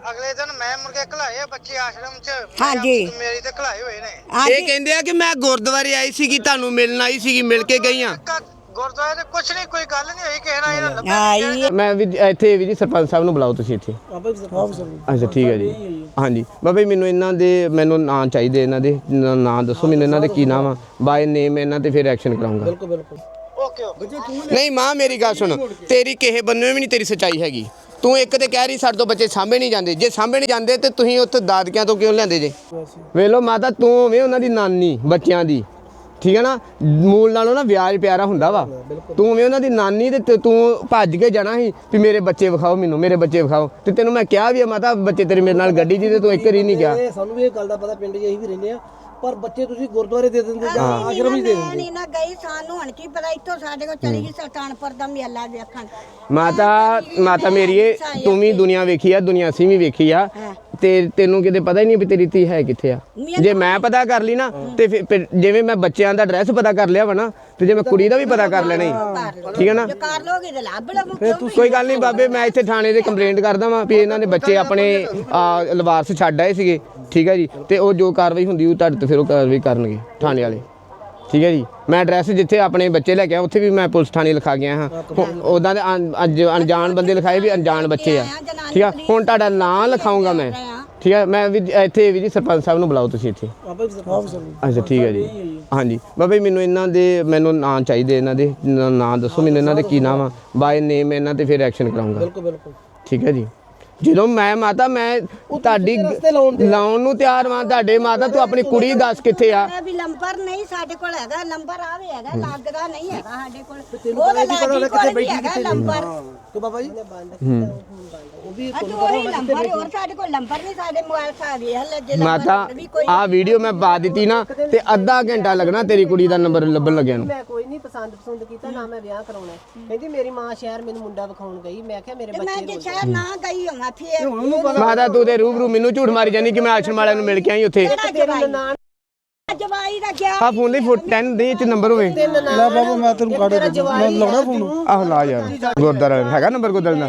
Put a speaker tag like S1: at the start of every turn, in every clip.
S1: ਅਗਲੇ ਦਿਨ ਮੈਂ ਮੁਰਗੇ ਘਲਾਏ ਬੱਚੇ ਆਸ਼ਰਮ ਚ
S2: ਹਾਂਜੀ
S1: ਮੇਰੀ ਤੇ ਘਲਾਏ ਹੋਏ ਨੇ।
S3: ਇਹ ਕਹਿੰਦੇ ਆ ਕਿ ਮੈਂ ਗੁਰਦੁਆਰੇ ਆਈ ਸੀਗੀ, ਤੁਹਾਨੂੰ ਮਿਲਣ ਆਈ ਸੀਗੀ, ਮਿਲ ਕੇ ਗਈ ਆ।
S1: ਗੁਰਦੁਆਰੇ ਤੇ ਕੁਛ ਨਹੀਂ, ਕੋਈ ਗੱਲ ਨਹੀਂ ਹੋਈ ਕਿਸੇ ਨਾਲ ਇਹਨਾਂ ਲੱਭਿਆ
S2: ਆਈ
S3: ਮੈਂ ਵੀ ਇੱਥੇ ਵੀ ਜੀ ਸਰਪੰਚ ਸਾਹਿਬ ਨੂੰ ਬੁਲਾਓ ਤੁਸੀਂ ਇੱਥੇ। ਅੱਛਾ ਠੀਕ ਹੈ ਜੀ। ਹਾਂਜੀ ਬਾਬਾ ਜੀ ਮੈਨੂੰ ਨਾਂ ਚਾਹੀਦੇ ਇਹਨਾਂ ਦੇ, ਨਾਂ ਦੱਸੋ ਮੈਨੂੰ ਇਹਨਾਂ ਦੇ ਕੀ ਨਾਮ ਆ, ਬਾਏ ਨੇਮ ਇਹਨਾਂ ਤੇ ਫਿਰ ਐਕਸ਼ਨ ਕਰਾਉਂਗਾ।
S1: ਬਿਲਕੁਲ ਬਿਲਕੁਲ ਓਕੇ ਓਕੇ।
S3: ਨਹੀਂ ਮਾਂ ਮੇਰੀ ਗੱਲ ਸੁਣ, ਤੇਰੀ ਕਿਸੇ ਬੰਨੇ ਵੀ ਨਹੀਂ ਤੇਰੀ ਸੱਚਾਈ ਹੈਗੀ। ਤੂੰ ਇੱਕ ਤੇ ਕਹਿ ਰਹੀ ਸਾਡੇ ਤੋਂ ਬੱਚੇ ਸਾਂਭੇ ਨਹੀਂ ਜਾਂਦੇ, ਜੇ ਸਾਂਭੇ ਨਹੀਂ ਜਾਂਦੇ ਤੇ ਤੁਸੀਂ ਉੱਥੇ ਦਾਦਕਿਆਂ ਤੋਂ ਕਿਉਂ ਲੈਂਦੇ ਜੇ? ਵੇਖ ਲਓ ਮਾਤਾ, ਤੂੰ ਹੋਵੇਂ ਉਹਨਾਂ ਦੀ ਨਾਨੀ ਬੱਚਿਆਂ ਦੀ, ਠੀਕ ਹੈ ਨਾ, ਮੂਲ ਨਾਲੋਂ ਨਾ ਵਿਆਜ ਪਿਆਰਾ ਹੁੰਦਾ ਵਾ। ਤੂੰ ਹੋਵੇਂ ਉਹਨਾਂ ਦੀ ਨਾਨੀ ਤੇ ਤੂੰ ਭੱਜ ਕੇ ਜਾਣਾ ਸੀ ਵੀ ਮੇਰੇ ਬੱਚੇ ਵਿਖਾਓ, ਮੈਨੂੰ ਮੇਰੇ ਬੱਚੇ ਵਿਖਾਓ। ਤੇ ਤੈਨੂੰ ਮੈਂ ਕਿਹਾ ਵੀ ਆ ਮਾਤਾ ਬੱਚੇ ਤੇਰੇ ਮੇਰੇ ਨਾਲ ਗੱਡੀ 'ਚ, ਤੇ ਤੂੰ ਇੱਕ ਵਾਰੀ ਨਹੀਂ ਗਿਆ।
S4: ਸਾਨੂੰ ਵੀ ਇਹ ਗੱਲ ਦਾ ਪਤਾ, ਪਿੰਡ 'ਚ ਅਸੀਂ ਵੀ ਰਹਿੰਦੇ ਆ, ਪਰ ਬੱਚੇ ਤੁਸੀਂ ਗੁਰਦੁਆਰੇ ਦੇ ਦਿੰਦੇ ਜਾਂ ਆਸ਼ਰਮ ਹੀ ਦੇ ਦਿੰਦੇ।
S2: ਨਹੀਂ ਨਾ ਗਈ, ਸਾਨੂੰ ਹੁਣ ਕੀ ਪਤਾ, ਇੱਥੋਂ ਸਾਡੇ ਕੋਲ ਚਲੀ ਗਈ ਸੁਲਤਾਨਪੁਰ ਦਾ ਮੇਲਾ ਵੇਖਣ।
S3: ਮਾਤਾ ਮੇਰੀਏ, ਤੂੰ ਵੀ ਦੁਨੀਆ ਵੇਖੀ ਆ, ਦੁਨੀਆ ਅਸੀਂ ਵੀ ਵੇਖੀ ਆ, ਤੇ ਤੈਨੂੰ ਕਿਤੇ ਪਤਾ ਹੀ ਨਹੀਂ ਵੀ ਤੇਰੀ ਧੀ ਹੈ ਕਿੱਥੇ ਆ। ਜੇ ਮੈਂ ਪਤਾ ਕਰ ਲਈ ਨਾ ਤੇ ਫਿਰ ਜਿਵੇਂ ਮੈਂ ਬੱਚਿਆਂ ਦਾ ਐਡਰੈਸ ਪਤਾ ਕਰ ਲਿਆ ਵਾ ਨਾ, ਤੇ ਜੇ ਮੈਂ ਕੁੜੀ ਦਾ ਵੀ ਪਤਾ ਕਰ ਲੈਣਾ ਹੀ, ਠੀਕ ਹੈ ਨਾ।
S2: ਕਰ ਲੋਗੇ ਤੇ ਲੱਭ ਲਵੋ।
S3: ਕੋਈ ਗੱਲ ਨਹੀਂ ਬਾਬੇ, ਮੈਂ ਇੱਥੇ ਥਾਣੇ ਦੇ ਕੰਪਲੇਂਟ ਕਰਦਾ ਵਾਂ ਵੀ ਇਹਨਾਂ ਦੇ ਬੱਚੇ ਆਪਣੇ ਲਵਾਰਸ ਛੱਡ ਆਏ ਸੀਗੇ, ਠੀਕ ਹੈ ਜੀ। ਤੇ ਉਹ ਜੋ ਕਾਰਵਾਈ ਹੁੰਦੀ ਉਹ ਤੁਹਾਡੇ ਤੇ ਫਿਰ ਉਹ ਕਾਰਵਾਈ ਕਰਨਗੇ ਥਾਣੇ ਵਾਲੇ, ਠੀਕ ਹੈ ਜੀ। ਮੈਂ ਐਡਰੈਸ ਜਿੱਥੇ ਆਪਣੇ ਬੱਚੇ ਲੈ ਕੇ ਆਇਆ ਉੱਥੇ ਵੀ ਮੈਂ ਪੁਲਿਸ ਥਾਣੇ ਲਿਖਾ ਗਿਆ ਹਾਂ। ਉੱਦਾਂ ਦੇ ਅੱਜ ਅਣਜਾਣ ਬੰਦੇ ਲਿਖਾਏ ਵੀ ਅਣਜਾਣ ਬੱਚੇ ਆ, ਠੀਕ ਆ। ਹੁਣ ਤੁਹਾਡਾ ਨਾਂ ਲਿਖਾਊਂਗਾ ਮੈਂ, ਠੀਕ ਹੈ। ਮੈਂ ਵੀ ਇੱਥੇ ਵੀ ਜੀ ਸਰਪੰਚ ਸਾਹਿਬ ਨੂੰ ਬੁਲਾਓ ਤੁਸੀਂ ਇੱਥੇ। ਅੱਛਾ ਠੀਕ ਹੈ ਜੀ। ਹਾਂਜੀ ਬਾਬਾ ਜੀ ਮੈਨੂੰ ਨਾਂ ਚਾਹੀਦੇ ਇਹਨਾਂ ਦੇ, ਨਾਂ ਦੱਸੋ ਮੈਨੂੰ ਇਹਨਾਂ ਦੇ ਕੀ ਨਾਮ ਆ, ਬਾਏ ਨੇਮ ਇਹਨਾਂ ਤੇ ਫਿਰ ਐਕਸ਼ਨ ਕਰਾਉਂਗਾ।
S4: ਬਿਲਕੁਲ ਬਿਲਕੁਲ
S3: ਠੀਕ ਹੈ ਜੀ। ਜਦੋਂ ਮੈਂ ਮਾਤਾ ਮੈਂ ਤੁਹਾਡੀ ਲਾਉਣ ਨੂੰ ਤਿਆਰ ਵਾਂ, ਤੁਹਾਡੇ ਮਾਤਾ ਤੂੰ ਆਪਣੀ ਕੁੜੀ ਦੱਸ ਕਿੱਥੇ ਆ?
S2: ਵੀ ਨੰਬਰ ਨਹੀਂ ਸਾਡੇ ਕੋਲ ਹੈਗਾ, ਨੰਬਰ ਆਵੇ ਹੈਗਾ, ਲੱਗਦਾ ਨਹੀਂ ਹੈਗਾ ਸਾਡੇ ਕੋਲ। ਉਹਦਾ ਲਾਡੀ ਕੋਲ ਵੀ ਹੈਗਾ ਨੰਬਰ
S4: ਤੇ ਬਾਬਾ ਜੀ
S2: ਉਹ ਵੀ ਉਹੀ ਨੰਬਰ, ਹੋਰ ਸਾਡੇ ਕੋਲ ਨੰਬਰ ਨਹੀਂ, ਸਾਡੇ ਮੋਬਾਈਲ ਸਾ ਵੇਖ ਲੈ ਜੇ
S3: ਮਾਤਾ ਆ ਵੀਡੀਓ ਮੈਂ ਪਾ ਦਿੱਤੀ ਨਾ ਤੇ ਅੱਧਾ ਘੰਟਾ ਲੱਗਣਾ ਤੇਰੀ ਕੁੜੀ ਦਾ ਨੰਬਰ ਲੱਭਣ ਲੱਗਿਆ ਨੂੰ।
S4: ਮੈਂ ਕੋਈ ਨਹੀਂ ਪਸੰਦ ਕੀਤਾ ਨਾ, ਮੈਂ ਵਿਆਹ ਕਰਾਉਣਾ। ਕਹਿੰਦੀ ਮੇਰੀ ਮਾਂ ਸ਼ਹਿਰ ਮੈਨੂੰ ਮੁੰਡਾ ਵਿਖਾਉਣ ਗਈ, ਮੈਂ ਕਿਹਾ ਮੇਰੇ ਬੱਚੇ
S2: ਮੈਂ ਜੇ ਸ਼ਹਿਰ ਨਾ ਗਈ ਹੋਵਾਂ ਫੇਰ
S3: ਮਾਤਾ ਤੂੰ ਤੇ ਰੂਬਰੂ ਮੈਨੂੰ ਝੂਠ ਮਾਰੀ ਜਾਨੀ ਕਿ ਮੈਂ ਆਸ਼ਰਮ ਵਾਲਿਆਂ ਨੂੰ ਮਿਲ ਕੇ ਆਈ ਉੱਥੇ।
S2: ਜਵਾਈ ਦਾ ਗਿਆ
S3: ਆ ਫੋਨ ਲਈ 10 ਦੇ ਚ ਨੰਬਰ ਹੋਵੇ।
S5: ਲੈ ਬਾਬਾ ਮੈਂ ਤੈਨੂੰ ਕਾੜੇ ਮੈਂ ਲਾਉਣਾ ਫੋਨ।
S3: ਆਹ ਲਾ ਯਾਰ, ਗੁਰਦਾਰਾ ਹੈਗਾ ਨੰਬਰ ਗੁਰਦਾਰੇ ਦਾ?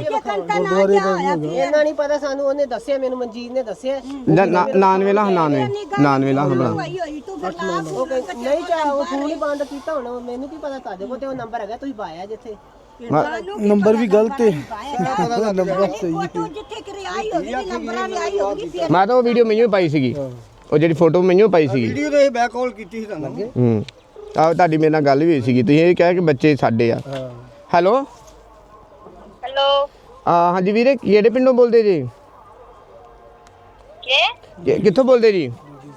S4: ਇਹਨਾਂ ਨਹੀਂ ਪਤਾ ਸਾਨੂੰ, ਉਹਨੇ ਦੱਸਿਆ ਮੈਨੂੰ, ਮਨਜੀਤ ਨੇ ਦੱਸਿਆ।
S3: 99 ਲਾ 99 ਲਾ ਬਣਾ।
S4: ਉਹ ਨਹੀਂ ਚਾਹ ਉਹ ਫੋਨ ਹੀ ਬੰਦ ਕੀਤਾ ਹੁਣ, ਮੈਨੂੰ ਕੀ ਪਤਾ ਤੁਹਾਡੇ ਕੋਲ ਤੇ ਉਹ ਨੰਬਰ ਹੈਗਾ, ਤੁਸੀਂ ਪਾਇਆ ਜਿੱਥੇ।
S5: ਨੰਬਰ ਵੀ ਗਲਤ ਹੈ, ਨੰਬਰ ਸਹੀ
S2: ਜਿੱਥੇ ਕਿ ਆਈ ਹੋਗੀ ਨੰਬਰਾਂ ਵੀ ਆਈ ਹੋਗੀ ਫਿਰ।
S3: ਮੈਂ ਤਾਂ ਉਹ ਵੀਡੀਓ ਮੈਨੂੰ ਪਾਈ ਸੀਗੀ, ਉਹ ਜਿਹੜੀ ਫੋਟੋ ਮੈਨੂੰ ਪਾਈ ਸੀਗੀ।
S5: ਵੀਡੀਓ ਤੇ ਬੈਕ ਕਾਲ ਕੀਤੀ ਸੀ ਤੁਹਾਨੂੰ।
S3: ਆਹ ਤੁਹਾਡੀ ਮੇਰੇ ਨਾਲ ਗੱਲ ਵੀ ਹੋਈ ਸੀਗੀ, ਤੁਸੀਂ ਇਹ ਕਿਹਾ ਕਿ ਬੱਚੇ ਸਾਡੇ ਆ। ਹੈਲੋ
S6: ਹੈਲੋ
S3: ਹਾਂਜੀ ਵੀਰੇ, ਕਿਹੜੇ ਪਿੰਡੋਂ ਬੋਲਦੇ ਜੀ? ਕਿੱਥੋਂ ਬੋਲਦੇ ਜੀ?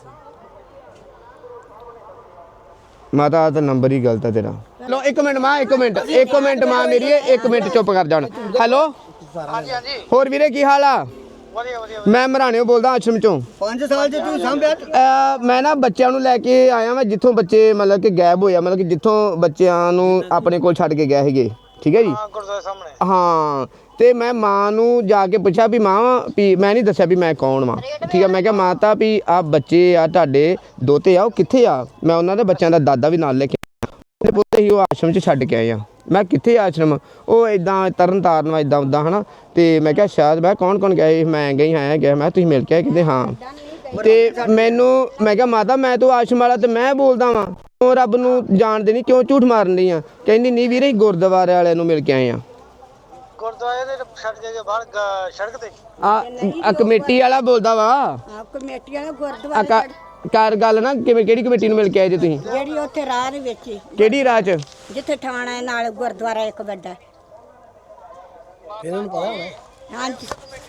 S3: ਮਾਤਾ ਤਾਂ ਨੰਬਰ ਹੀ ਗਲਤ ਆ ਤੇਰਾ। ਲੋ ਇੱਕ ਮਿੰਟ ਮਾਂ, ਇੱਕ ਮਿੰਟ ਮਾਂ ਮੇਰੀ, ਇੱਕ ਮਿੰਟ ਚੁੱਪ ਕਰ ਜਾਣ। ਹੈਲੋ
S1: ਹਾਂਜੀ ਹਾਂਜੀ
S3: ਹੋਰ ਵੀਰੇ ਕੀ ਹਾਲ ਆ?
S1: ਵਧੀਆ ਵਧੀਆ।
S3: ਮੈਂ ਮਰਾਣਿਓ ਬੋਲਦਾ ਆਸ਼ਰਮ ਚੋਂ।
S5: 5 ਸਾਲ ਜੇ ਤੂੰ ਸਾਂਭਿਆ।
S3: ਮੈਂ ਨਾ ਬੱਚਿਆਂ ਨੂੰ ਲੈ ਕੇ ਆਇਆ ਮੈਂ ਜਿੱਥੋਂ ਬੱਚੇ ਮਤਲਬ ਕਿ ਗਾਇਬ ਹੋਇਆ, ਮਤਲਬ ਕਿ ਜਿੱਥੋਂ ਬੱਚਿਆਂ ਨੂੰ ਆਪਣੇ ਕੋਲ ਛੱਡ ਕੇ ਗਏ ਸੀਗੇ, ਠੀਕ ਹੈ ਜੀ।
S1: ਹਾਂ ਗੁਰਦੁਆਰੇ ਸਾਹਮਣੇ।
S3: ਹਾਂ ਤੇ ਮੈਂ ਮਾਂ ਨੂੰ ਜਾ ਕੇ ਪੁੱਛਿਆ ਵੀ ਮਾਂ ਵੀ ਮੈਂ ਨਹੀਂ ਦੱਸਿਆ ਵੀ ਮੈਂ ਕੌਣ ਵਾਂ, ਠੀਕ ਹੈ। ਮੈਂ ਕਿਹਾ ਮਾਤਾ ਵੀ ਆ ਬੱਚੇ ਆ ਤੁਹਾਡੇ ਦੋਤੇ ਆ, ਉਹ ਕਿੱਥੇ ਆ? ਮੈਂ ਉਹਨਾਂ ਦੇ ਬੱਚਿਆਂ ਦਾ ਦਾਦਾ ਵੀ ਨਾਲ ਲੈ ਕੇ ਆਇਆ, ਪੁੱਤ ਹੀ ਉਹ ਆਸ਼ਰਮ 'ਚ ਛੱਡ ਕੇ ਆਏ ਆ। ਮੈਂ ਕਿੱਥੇ ਆਸ਼ਰਮ? ਉਹ ਇਦਾਂ ਤਰਨ ਤਾਰਨ ਵਾ ਇਦਾਂ ਉੱਦਾਂ ਹੈ ਨਾ। ਤੇ ਮੈਂ ਕਿਹਾ ਸ਼ਾਇਦ ਮੈਂ ਕੌਣ ਗਏ? ਮੈਂ ਗਈ ਆਇਆ ਗਿਆ। ਮੈਂ ਤੁਸੀਂ ਮਿਲ ਕੇ ਆਏ ਕਿਤੇ? ਹਾਂ। ਤੇ ਮੈਨੂੰ ਮੈਂ ਕਿਹਾ ਮਾਤਾ ਮੈਂ ਤੂੰ ਆਸ਼ਰਮ ਵਾਲਾ ਤੇ ਮੈਂ ਬੋਲਦਾ ਵਾਂ, ਕਿਉਂ ਰੱਬ ਨੂੰ ਜਾਣਦੇ ਨਹੀਂ, ਕਿਉਂ ਝੂਠ ਮਾਰਨ ਲਈ ਆ? ਕਹਿੰਦੀ ਨਹੀਂ ਵੀਰੇ ਗੁਰਦੁਆਰੇ ਵਾਲਿਆਂ ਨੂੰ ਮਿਲ ਕੇ ਆਏ ਆ।
S1: ਗੁਰਦੁਆਰੇ ਦੇ ਛੱਡ ਕੇ ਬਾਹਰ ਸੜਕ ਤੇ
S3: ਆ ਕਮੇਟੀ ਵਾਲਾ ਬੋਲਦਾ ਵਾ।
S2: ਕਮੇਟੀ ਵਾਲਾ ਗੁਰਦੁਆਰਾ
S3: ਕਰ ਗੱਲ ਨਾ ਕਿਵੇਂ, ਕਿਹੜੀ ਕਮੇਟੀ ਨੂੰ ਮਿਲ ਕੇ ਆਏ ਜੇ ਤੁਸੀਂ?
S2: ਜਿਹੜੀ ਉੱਥੇ ਰਾਹ ਦੇ ਵਿੱਚ
S3: ਕਿਹੜੀ ਰਾਹ 'ਚ?
S2: ਜਿੱਥੇ ਥਾਣਾ ਨਾਲ ਗੁਰਦੁਆਰਾ ਇੱਕ ਵੱਡਾ।
S4: ਇਹਨਾਂ ਨੂੰ ਪਤਾ ਹੋਣਾ।
S2: ਹਾਂਜੀ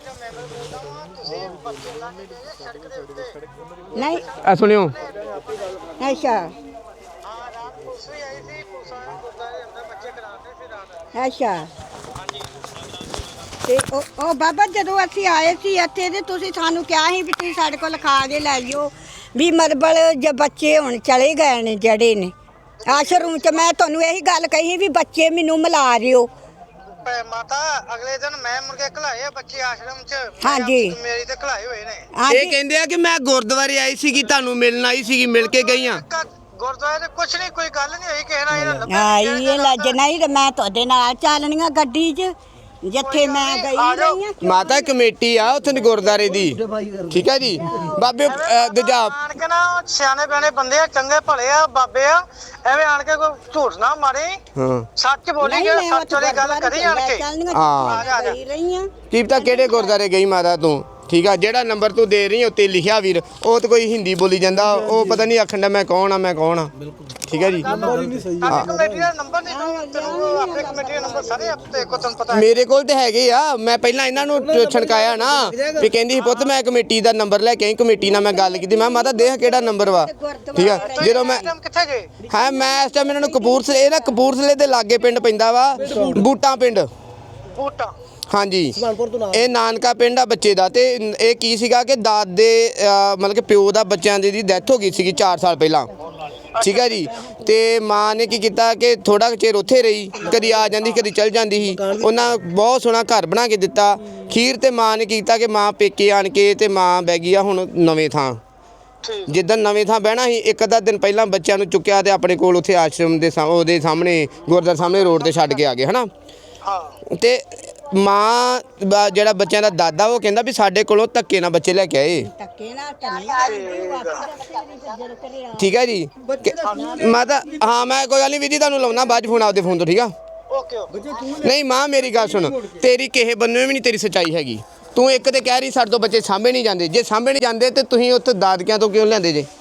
S2: ਨਹੀਂ
S3: ਆ ਸੁਣਿਓ।
S2: ਅੱਛਾ ਅੱਛਾ। ਤੇ ਉਹ ਬਾਬਾ ਜਦੋਂ ਅਸੀਂ ਆਏ ਸੀ ਇੱਥੇ ਤੇ ਤੁਸੀਂ ਸਾਨੂੰ ਕਿਹਾ ਸੀ ਵੀ ਤੁਸੀਂ ਸਾਡੇ ਕੋਲ ਲਿਖਾ ਕੇ ਲੈ ਜਿਓ ਵੀ ਮਤਲਬ ਜੇ ਬੱਚੇ ਹੁਣ ਚਲੇ ਗਏ ਨੇ ਜਿਹੜੇ ਨੇ ਆਸ਼ਰਮ ਚ। ਮੈਂ ਤੁਹਾਨੂੰ ਇਹੀ ਗੱਲ ਕਹੀ ਵੀ ਬੱਚੇ ਮੈਨੂੰ ਮਿਲਾ ਰਿਓ।
S1: ਮਾਤਾ ਅਗਲੇ ਦਿਨ ਮੈਂ ਮੁਰਗੇ ਘਲਾਏ ਬੱਚੇ ਆਸ਼ਰਮ ਚ।
S3: ਹਾਂਜੀ
S1: ਮੇਰੀ ਤੇ ਘਲਾਏ ਹੋਏ ਨੇ।
S3: ਇਹ ਕਹਿੰਦੇ ਆ ਕਿ ਮੈਂ ਗੁਰਦੁਆਰੇ ਆਈ ਸੀਗੀ, ਤੁਹਾਨੂੰ ਮਿਲਣ ਆਈ ਸੀਗੀ, ਮਿਲ ਕੇ ਗਈ ਆ।
S1: ਗੁਰਦੁਆਰੇ ਤੇ ਕੁਛ ਨਹੀਂ, ਕੋਈ ਗੱਲ ਨਹੀਂ ਹੋਈ ਕਿਸੇ ਨਾਲ ਇਹਨਾਂ ਲੱਭਿਆ
S2: ਆਈ ਇਹ ਲੱਜ ਨਹੀਂ ਤੇ ਮੈਂ ਤੁਹਾਡੇ ਨਾਲ ਚੱਲਣੀਆਂ ਗੱਡੀ 'ਚ। ਜਿੱਥੇ ਮੈਂ ਗਈ ਰਹੀ ਆ
S3: ਮਾਤਾ ਕਮੇਟੀ ਆ ਉੱਥੇ ਦੀ ਗੁਰਦਾਰੇ ਦੀ, ਠੀਕ ਹੈ ਜੀ। ਬਾਬੇ ਦੂਜਾ
S1: ਆਣ ਕੇ ਨਾ ਉਹ ਸਿਆਣੇ ਬਿਆਣੇ ਬੰਦੇ ਆ, ਚੰਗੇ ਭਲੇ ਆ ਬਾਬੇ ਆ, ਐਵੇਂ ਆਣ ਕੇ ਕੋਈ ਝੂਠ ਨਾ ਮਾਰੇ,
S3: ਹਾਂ
S1: ਸੱਚ ਬੋਲੀ ਜੇ ਸੱਚ ਵਾਲੀ ਗੱਲ ਕਰੀ ਆਣ ਕੇ।
S3: ਹਾਂ
S2: ਗਈ ਰਹੀ ਆ
S3: ਕੀ ਪਤਾ ਕਿਹੜੇ ਗੁਰਦਾਰੇ ਗਈ ਮਾਤਾ ਤੂੰ, ਠੀਕ ਆ। ਜਿਹੜਾ ਨੰਬਰ ਤੂੰ ਦੇ ਰਹੀ ਉੱਤੇ ਲਿਖਿਆ ਵੀਰ, ਉਹ ਤਾਂ ਕੋਈ ਹਿੰਦੀ ਬੋਲੀ ਜਾਂਦਾ, ਉਹ ਪਤਾ ਨਹੀਂ ਆਖਣ ਦਾ ਮੈਂ ਕੌਣ ਆ ਮੈਂ ਕੌਣ ਆ, ਠੀਕ ਹੈ ਜੀ।
S1: ਸਾਡੀ ਕਮੇਟੀ ਦਾ ਨੰਬਰ ਨਹੀਂ ਤੈਨੂੰ, ਆਪੇ ਕਮੇਟੀ ਦਾ ਨੰਬਰ ਸਾਰੇ ਆਪੇ ਕੋ ਤੁਹਾਨੂੰ ਪਤਾ ਹੈ।
S3: ਮੇਰੇ ਕੋਲ ਤੇ ਹੈਗੇ ਆ, ਮੈਂ ਪਹਿਲਾਂ ਇਹਨਾਂ ਨੂੰ ਛਣਕਾਇਆ ਨਾ ਵੀ ਕਹਿੰਦੀ ਸੀ ਪੁੱਤ ਮੈਂ ਕਮੇਟੀ ਦਾ ਨੰਬਰ ਲੈ ਕੇ ਆਈ, ਕਮੇਟੀ ਨਾਲ ਮੈਂ ਗੱਲ ਕੀਤੀ, ਮੈਂ ਮਾਤਾ ਦੇਖ ਕਿਹੜਾ ਨੰਬਰ ਵਾ, ਠੀਕ ਆ। ਜਦੋਂ ਮੈਂ
S1: ਕਿੱਥੇ ਗਏ?
S3: ਹਾਂ ਮੈਂ ਇਸ ਟਾਈਮ ਇਹਨਾਂ ਨੂੰ ਕਪੂਰਥਲੇ, ਇਹ ਨਾ ਕਪੂਰਥਲੇ ਦੇ ਲਾਗੇ ਪਿੰਡ ਪੈਂਦਾ ਵਾ ਬੂਟਾਂ ਪਿੰਡ,
S1: ਬੂਟਾ
S3: ਹਾਂਜੀ ਇਹ ਨਾਨਕਾ ਪਿੰਡ ਆ ਬੱਚੇ ਦਾ। ਤੇ ਇਹ ਕੀ ਸੀਗਾ ਕਿ ਦਾਦੇ ਮਤਲਬ ਕਿ ਪਿਓ ਦਾ ਬੱਚਿਆਂ ਦੀ ਡੈਥ ਹੋ ਗਈ ਸੀਗੀ 4 ਸਾਲ ਪਹਿਲਾਂ, ਠੀਕ ਹੈ ਜੀ। ਤੇ ਮਾਂ ਨੇ ਕੀ ਕੀਤਾ ਕਿ ਥੋੜਾ ਚਿਰ ਉੱਥੇ ਰਹੀ, ਕਦੀ ਆ ਜਾਂਦੀ ਕਦੀ ਚਲ ਜਾਂਦੀ ਸੀ। ਉਹਨਾਂ ਬਹੁਤ ਸੋਹਣਾ ਘਰ ਬਣਾ ਕੇ ਦਿੱਤਾ ਖੀਰ, ਤੇ ਮਾਂ ਨੇ ਕੀਤਾ ਕਿ ਮਾਂ ਪੇਕੇ ਆਣ ਕੇ ਤੇ ਮਾਂ ਬਹਿ ਗਈ ਆ ਹੁਣ ਨਵੇਂ ਥਾਂ। ਜਿੱਦਣ ਨਵੇਂ ਥਾਂ ਬਹਿਣਾ ਸੀ, ਇੱਕ ਅੱਧਾ ਦਿਨ ਪਹਿਲਾਂ ਬੱਚਿਆਂ ਨੂੰ ਚੁੱਕਿਆ ਤੇ ਆਪਣੇ ਕੋਲ ਉੱਥੇ ਆਸ਼ਰਮ ਦੇ ਉਹਦੇ ਸਾਹਮਣੇ ਗੁਰਦੁਆਰਾ ਸਾਹਮਣੇ ਰੋਡ ਤੇ ਛੱਡ ਕੇ ਆ ਗਏ ਹਨਾ। ਤੇ ਮਾਂ ਜਿਹੜਾ ਬੱਚਿਆਂ ਦਾ ਦਾਦਾ ਉਹ ਕਹਿੰਦਾ ਵੀ ਸਾਡੇ ਕੋਲੋਂ ਧੱਕੇ ਨਾਲ ਬੱਚੇ ਲੈ ਕੇ ਆਏ,
S2: ਧੱਕੇ ਨਾਲ ਤਾਂ
S3: ਠੀਕ ਹੈ ਜੀ। ਮਾਤਾ ਹਾਂ ਮੈਂ ਕੋਈ ਗੱਲ ਨਹੀਂ ਵੀਰ ਜੀ ਤੁਹਾਨੂੰ ਲਾਉਣਾ ਬਾਅਦ 'ਚ ਫੋਨ ਆਪਦੇ ਫੋਨ ਤੋਂ, ਠੀਕ ਆ।
S1: ਓਕੇ
S3: ਨਹੀਂ ਮਾਂ ਮੇਰੀ ਗੱਲ ਸੁਣ, ਤੇਰੀ ਕਿਸੇ ਬੰਨੇ ਵੀ ਨਹੀਂ ਤੇਰੀ ਸੱਚਾਈ ਹੈਗੀ। ਤੂੰ ਇੱਕ ਤੇ ਕਹਿ ਰਹੀ ਸਾਡੇ ਤੋਂ ਬੱਚੇ ਸਾਂਭੇ ਨਹੀਂ ਜਾਂਦੇ, ਜੇ ਸਾਂਭੇ ਨਹੀਂ ਜਾਂਦੇ ਤੇ ਤੁਸੀਂ ਉੱਥੇ ਦਾਦਕਿਆਂ ਤੋਂ ਕਿਉਂ ਲੈਂਦੇ ਜੇ?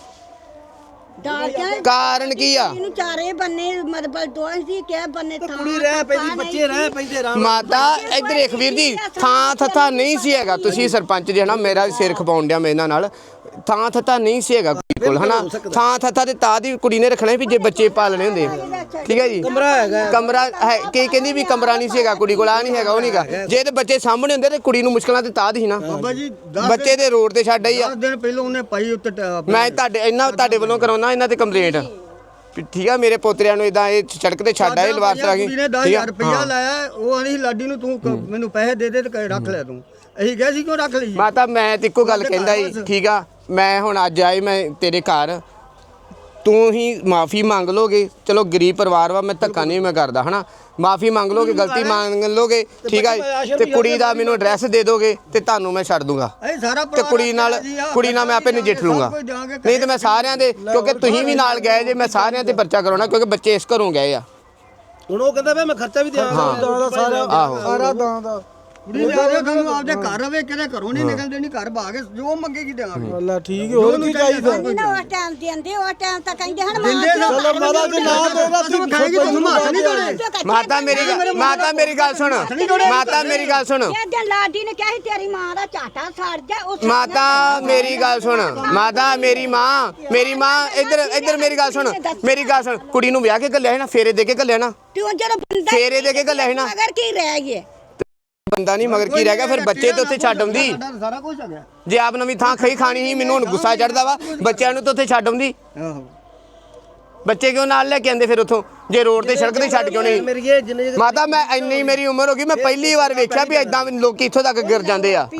S3: ਕਾਰਨ ਕੀ ਆ?
S2: ਇਹਨੂੰ ਚਾਰੇ ਬੰਨੇ ਮਤਲਬ ਦੋਹਾਂ ਸੀ ਕਿ ਬੰਨੇ ਥਾਂ
S4: ਕੁੜੀ ਰਹਿ ਪੈਂਦੀ, ਬੱਚੇ ਰਹਿ ਪੈਂਦੇ ਆਰਾਮ ਨਾਲ।
S3: ਮਾਤਾ ਇੱਧਰ ਦੇਖ ਵੀਰ ਜੀ, ਥਾਂ ਥੱਥਾ ਨਹੀਂ ਸੀ ਹੈਗਾ। ਤੁਸੀਂ ਸਰਪੰਚ ਜੇ ਹਨਾ, ਮੇਰਾ ਸਿਰ ਖਪਾਉਣ ਡਿਆ ਮੇਰੇ ਨਾਲ, ਥਾਂ ਥੱਥਾ ਨਹੀਂ ਸੀ ਹੈਗਾ ਕੁੜੀ ਕੋਲ ਹਨਾ। ਥਾਂ ਥੱਥਾ ਤੇ ਤਾਂ ਦੀ ਕੁੜੀ ਨੇ ਰੱਖਣਾ ਵੀ ਜੇ ਬੱਚੇ ਪਾਲਣੇ ਹੁੰਦੇ, ਠੀਕ ਹੈ ਜੀ।
S4: ਕਮਰਾ ਹੈਗਾ,
S3: ਕਮਰਾ ਹੈ, ਕੀ ਕਹਿੰਦੀ ਵੀ ਕਮਰਾ ਨਹੀਂ ਸੀ ਹੈਗਾ ਕੁੜੀ ਕੋਲ, ਆ ਨਹੀਂ ਹੈਗਾ ਉਹ ਨਹੀਂਗਾ। ਜੇ ਤੇ ਬੱਚੇ ਸਾਹਮਣੇ ਹੁੰਦੇ ਤੇ ਕੁੜੀ ਨੂੰ ਮੁਸ਼ਕਲਾਂ ਤੇ ਤਾਂ ਦੀ ਸੀ ਨਾ। ਬੱਚੇ ਦੇ ਰੋਡ ਤੇ ਛੱਡ ਆਈ ਆ।
S5: 10 ਦਿਨ ਪਹਿਲਾਂ ਉਹਨੇ ਪਾਈ ਉੱਤੇ
S3: ਮੈਂ ਤੁਹਾਡੇ ਵੱਲੋਂ ਕਰਾਉਣਾ ਇਹਨਾਂ ਤੇ ਕੰਪਲੇਂਟ, ਠੀਕ ਆ। ਮੇਰੇ ਪੋਤਰਿਆਂ ਨੂੰ ਇਦਾਂ ਇਹ ਸੜਕ ਤੇ ਛੱਡ ਆਏ ਲਵਾਰਸ ਆ ਗਈ,
S5: ਕੁੜੀ ਨੇ 10,000 ਰੁਪਇਆ ਲਾਇਆ, ਉਹ ਆਣੀ ਲਾਡੀ ਨੂੰ ਤੂੰ ਮੈਨੂੰ ਪੈਸੇ ਦੇ ਦੇ ਤੇ ਰੱਖ ਲੈ ਤੂੰ। ਅਸੀਂ ਕਿਹਾ ਸੀ ਕਿਉਂ ਰੱਖ ਲਈ?
S3: ਮਾਤਾ ਮੈਂ ਤੇ ਇੱਕੋ ਗੱਲ ਕਹਿੰਦਾ ਸੀ, ਠੀਕ ਆ। ਮੈਂ ਹੁਣ ਅੱਜ ਆਈ ਮੈਂ ਤੇਰੇ ਘਰ, ਤੂੰ ਹੀ ਮਾਫੀ ਮੰਗ ਲੋਗੇ, ਚਲੋ ਗਰੀਬ ਪਰਿਵਾਰ ਵਾ, ਮੈਂ ਧੱਕਾ ਨਹੀਂ ਮੈਂ ਕਰਦਾ ਹਨਾ। ਮਾਫੀ ਮੰਗ ਲੋਗੇ, ਗਲਤੀ ਮੰਗ ਲੋਗੇ, ਠੀਕ ਆ। ਤੇ ਕੁੜੀ ਦਾ ਮੈਨੂੰ ਐਡਰੈਸ ਦੇ ਦੋਗੇ ਤੇ ਤੁਹਾਨੂੰ ਮੈਂ ਛੱਡ ਦੂੰਗਾ, ਤੇ ਕੁੜੀ ਨਾਲ ਮੈਂ ਆਪੇ ਨਜਿੱਠ ਲੂੰਗਾ। ਨਹੀਂ ਤੇ ਮੈਂ ਸਾਰਿਆਂ ਦੇ, ਕਿਉਂਕਿ ਤੁਸੀਂ ਵੀ ਨਾਲ ਗਏ ਜੇ, ਮੈਂ ਸਾਰਿਆਂ ਤੇ ਪਰਚਾ ਕਰਾਉਣਾ ਕਿਉਂਕਿ ਬੱਚੇ ਇਸ ਘਰੋਂ ਗਏ ਆ।
S4: ਹੁਣ ਉਹ ਕਹਿੰਦਾ ਵੇ ਮੈਂ ਖਰਚਾ ਵੀ ਦਿਆਂਗਾ
S5: ਸਾਰਾ ਦਾਂ ਦਾ ਕੁੜੀ ਦੇ ਆਦੇ ਤੁਹਾਨੂੰ ਆਪਦੇ ਘਰ ਰਵੇ, ਕਿਤੇ ਘਰੋਂ ਨਹੀਂ ਨਿਕਲਦੇ, ਨਹੀਂ ਘਰ ਭਾਗੇ ਜੋ ਮੰਗੇਗੀ ਦੇਵਾਂਗੇ। ਅੱਲਾ ਠੀਕ ਹੈ, ਹੋਰ ਕੀ ਚਾਹੀਦਾ?
S2: ਨਾ ਉਸ ਟਾਈਮ ਦਿੰਦੇ, ਉਸ ਟਾਈਮ ਤਾਂ ਕਹਿੰਦੇ ਹਨ
S5: ਚਲੋ ਮਾਤਾ ਜੀ ਨਾ ਦੇਦਾ ਤੂੰ ਖਾਏਗੀ, ਤੁਹਾਨੂੰ ਹੱਥ ਨਹੀਂ ਦੋੜੇ।
S3: ਮਾਤਾ ਮੇਰੀ ਗੱਲ ਸੁਣ, ਮਾਤਾ ਮੇਰੀ ਗੱਲ ਸੁਣ,
S2: ਇਹ ਦਿਨ ਲਾਡੀ ਨੇ ਕਿਹਾ ਸੀ ਤੇਰੀ ਮਾਂ ਦਾ ਝਾਟਾ ਸੜ ਜਾ। ਉਸ
S3: ਮਾਤਾ ਮੇਰੀ ਗੱਲ ਸੁਣ, ਮਾਤਾ ਮੇਰੀ ਮਾਂ ਇੱਧਰ ਮੇਰੀ ਗੱਲ ਸੁਣ, ਕੁੜੀ ਨੂੰ ਵਿਆਹ ਕੇ ਘੱਲਿਆ ਸੀ ਨਾ, ਫੇਰੇ ਦੇ ਕੇ ਘੱਲਿਆ ਨਾ,
S2: ਤੂੰ ਜਦੋਂ ਬੰਦਾ
S3: ਫੇਰੇ ਦੇ ਕੇ ਘੱਲਿਆ ਸੀ ਨਾ।
S2: ਮਗਰ ਕੀ ਰਹਿ ਗਿਆ?
S3: ਬੰਦਾ ਨਹੀਂ ਮਗਰ ਕੀ ਰਹਿ ਗਿਆ, ਫਿਰ ਬੱਚੇ ਤੇ ਉੱਥੇ ਛੱਡ ਆਉਂਦੀ।
S5: ਸਾਰਾ ਕੁਝ ਆ ਗਿਆ।
S3: ਜੇ ਆਪ ਨਵੀਂ ਥਾਂ ਖਾਣੀ ਸੀ, ਮੈਨੂੰ ਹੁਣ ਗੁੱਸਾ ਚੜਦਾ ਵਾ, ਬੱਚਿਆਂ ਨੂੰ ਤਾਂ ਉੱਥੇ ਛੱਡ ਆਉਂਦੀ।
S5: ਆਹੋ
S3: ਬੱਚੇ ਕਿਉਂ ਨਾਲ ਲੈ ਕੇ ਆਂਦੇ ਫਿਰ ਉੱਥੋਂ, ਜੇ ਰੋਡ ਤੇ ਸੜਕ ਤੇ ਛੱਡ ਕਿਉਂ ਨਹੀਂ? ਮਾਤਾ ਮੈਂ ਇੰਨੀ ਮੇਰੀ ਉਮਰ ਹੋ ਗਈ, ਮੈਂ ਪਹਿਲੀ ਵਾਰ ਵੇਖਿਆ ਵੀ ਏਦਾਂ ਲੋਕੀ ਇੱਥੋਂ ਤੱਕ ਗਿਰ ਜਾਂਦੇ ਆ।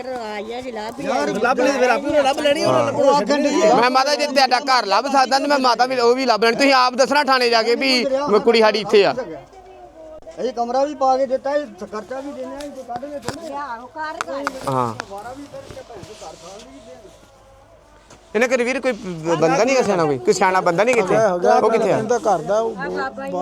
S3: ਮੈਂ ਮਾਤਾ ਜੇ ਤੁਹਾਡਾ ਘਰ ਲੱਭ ਸਕਦਾ ਤੇ ਮੈਂ ਮਾਤਾ ਵੀ ਉਹ ਵੀ ਲੱਭ ਲੈਣੀ। ਤੁਸੀਂ ਆਪ ਦੱਸਣਾ ਥਾਣੇ ਜਾ ਕੇ ਵੀ ਕੁੜੀ ਸਾਡੀ ਇੱਥੇ ਆ।
S5: ਅਸੀਂ ਕਮਰਾ ਵੀ ਪਾ ਕੇ ਦਿੱਤਾ, ਖਰਚਾ ਵੀ ਦੇਣਾ, ਇਹ ਕੱਢ ਲੈ ਥੋੜੇ।
S3: ਹਾਂ ਇਹਨੇ ਕਿ ਵੀਰ ਕੋਈ ਬੰਦਾ ਨਹੀਂ ਸਿਆਣਾ, ਕੋਈ ਸਿਆਣਾ ਬੰਦਾ ਨਹੀਂ ਕਿੱਥੇ, ਉਹ ਕਿੱਥੇ ਆ?
S5: ਘਰ ਦਾ